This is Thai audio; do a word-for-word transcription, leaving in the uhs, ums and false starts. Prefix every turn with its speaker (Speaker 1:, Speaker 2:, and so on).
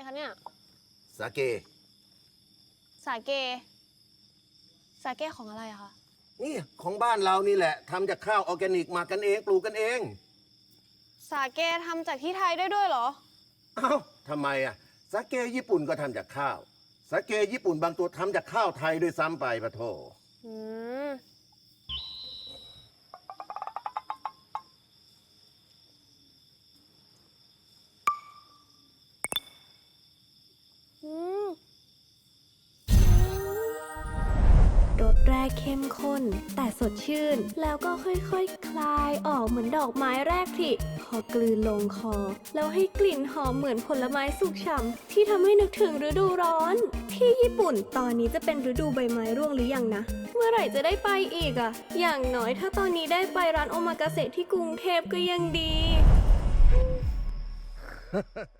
Speaker 1: คะเนี่ย
Speaker 2: สาเก
Speaker 1: สาเกสาเกของอะไรอะคะ
Speaker 2: นี่ของบ้านเรานี่แหละทำจากข้าวออร์แกนิกมากันเองปลูกกันเอง
Speaker 1: สาเกทำจากที่ไทยได้ด้วยเหรอ
Speaker 2: เอ้าทำไมอ่ะสาเกญี่ปุ่นก็ทำจากข้าวสาเกญี่ปุ่นบางตัวทำจากข้าวไทยด้วยซ้ำไปปะโถ
Speaker 1: อืมอืม
Speaker 3: รสแรกเข้มข้นแต่สดชื่นแล้วก็ค่อยๆ ค, คลายออกเหมือนดอกไม้แรกผลิพอกลืนลงคอแล้วให้กลิ่นหอมเหมือนผลไม้สุกฉ่ำที่ทำให้นึกถึงฤดูร้อนที่ญี่ปุ่นตอนนี้จะเป็นฤดูใบไม้ร่วงหรือยังนะเมื่อไหร่จะได้ไปอีกอะอย่างน้อยถ้าตอนนี้ได้ไปร้านโอมากาเสะที่กรุงเทพก็ยังดี